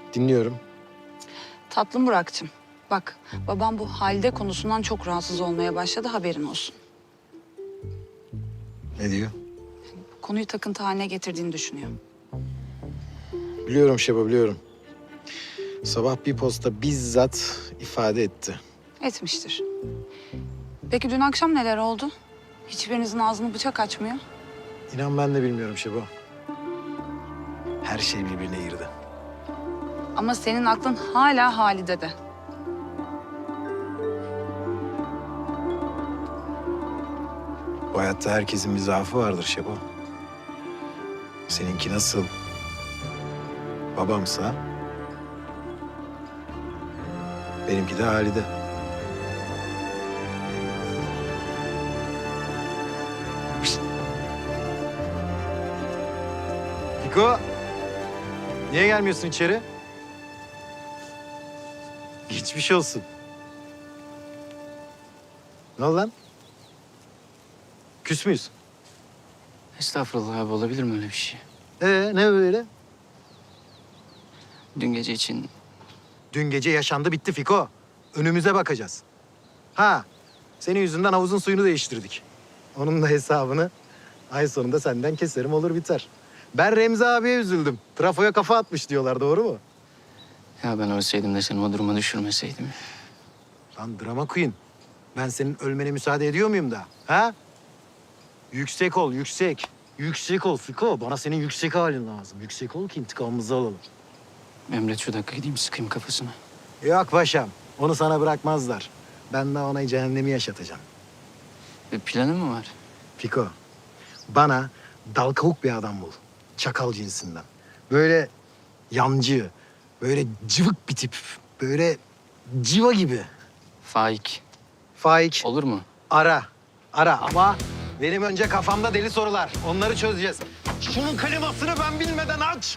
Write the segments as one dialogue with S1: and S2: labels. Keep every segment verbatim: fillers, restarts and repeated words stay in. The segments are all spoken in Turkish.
S1: Dinliyorum.
S2: Tatlım Burak'cığım. Bak, babam bu Halide konusundan çok rahatsız olmaya başladı, haberin olsun.
S1: Ne diyor?
S2: Konuyu takıntı haline getirdiğini düşünüyor.
S1: Biliyorum Şeba, biliyorum. Sabah bir posta bizzat ifade etti.
S2: Etmiştir. Peki dün akşam neler oldu? Hiçbirinizin ağzını bıçak açmıyor.
S1: İnan ben de bilmiyorum Şeba. Her şey birbirine girdi.
S2: Ama senin aklın hala Halide'de.
S1: Bu hayatta herkesin bir zaafı vardır Şeba. Seninki nasıl babamsa benimki de Halide. Pişt. Fiko, niye gelmiyorsun içeri? Geçmiş olsun. Ne oldu lan? Küs müyüz?
S3: Estağfurullah abi, olabilir mi öyle bir şey?
S1: Ee, ne böyle?
S3: Dün gece için
S1: Dün gece yaşandı bitti Fiko. Önümüze bakacağız. Ha, senin yüzünden havuzun suyunu değiştirdik. Onun da hesabını ay sonunda senden keserim, olur biter. Ben Remzi abiye üzüldüm. Trafoya kafa atmış diyorlar, doğru mu?
S3: ya ben ölseydim de seni o duruma düşürmeseydim.
S1: Lan drama queen. Ben senin ölmene müsaade ediyor muyum da? Ha? Yüksek ol, yüksek. Yüksek ol Fiko. Bana senin yüksek halin lazım. Yüksek ol ki intikamımızı alalım.
S3: Emret şu dakika gideyim sıkayım kafasına.
S1: Yok paşam. Onu sana bırakmazlar. Ben de ona cehennemi yaşatacağım.
S3: Bir planın mı var?
S1: Fiko, bana dal kavuk bir adam bul. Çakal cinsinden. Böyle yancı, böyle cıvık bir tip. Böyle civa gibi.
S3: Faik.
S1: Faik,
S3: Olur mu?
S1: ara. Ara ama benim önce kafamda deli sorular. Onları çözeceğiz. Şunun klimasını ben bilmeden aç.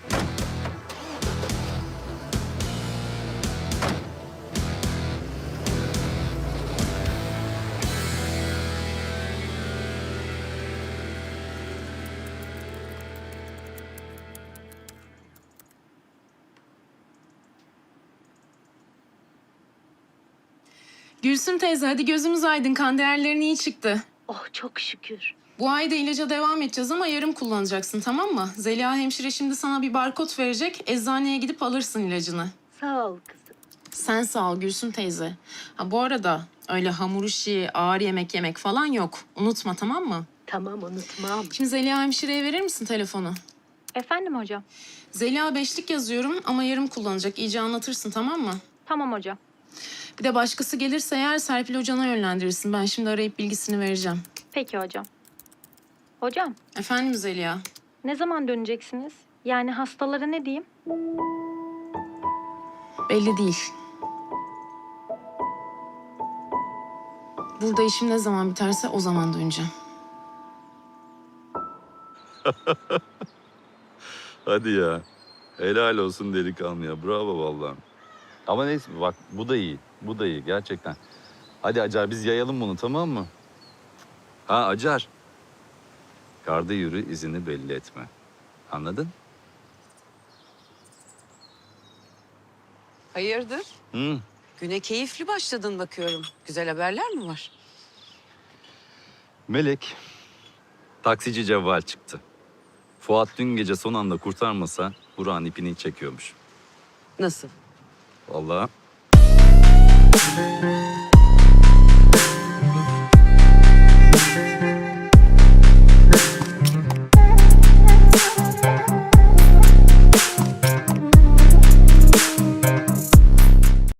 S4: Gülsüm teyze hadi gözümüz aydın, kan değerlerin iyi çıktı.
S5: Oh çok şükür.
S4: Bu ay da ilaca devam edeceğiz ama yarım kullanacaksın, tamam mı? Zeliha hemşire şimdi sana bir barkod verecek, eczaneye gidip alırsın ilacını.
S5: Sağ ol kızım.
S4: Sen sağ ol Gülsüm teyze. Ha bu arada öyle hamur işi, ağır yemek yemek falan yok. Unutma, tamam mı?
S5: Tamam unutmam.
S4: Şimdi Zeliha hemşireye verir misin telefonu?
S6: Efendim hocam.
S4: Zeliha beşlik yazıyorum ama yarım kullanacak. İyice anlatırsın, tamam mı?
S6: Tamam hocam.
S4: Bir de başkası gelirse eğer Serpil hocana yönlendirirsin. Ben şimdi arayıp bilgisini vereceğim.
S6: Peki hocam. Hocam,
S4: Efendim Zeliha?
S6: ne zaman döneceksiniz? Yani hastalara ne diyeyim?
S4: Belli değil. Burada işim ne zaman biterse o zaman döneceğim.
S7: Hadi ya. Helal olsun delikanlıya. Bravo vallahi. Ama neyse bak bu da iyi. Bu da iyi gerçekten. Hadi Acar biz yayalım bunu, tamam mı? Ha Acar. Karda yürü, izini belli etme. Anladın?
S8: Hayırdır?
S7: Hı.
S8: Güne keyifli başladın bakıyorum. Güzel haberler mi var?
S7: Melek, taksici Cevval çıktı. Fuat dün gece son anda kurtarmasa Burak'ın ipini çekiyormuş.
S8: Nasıl?
S7: Vallahi.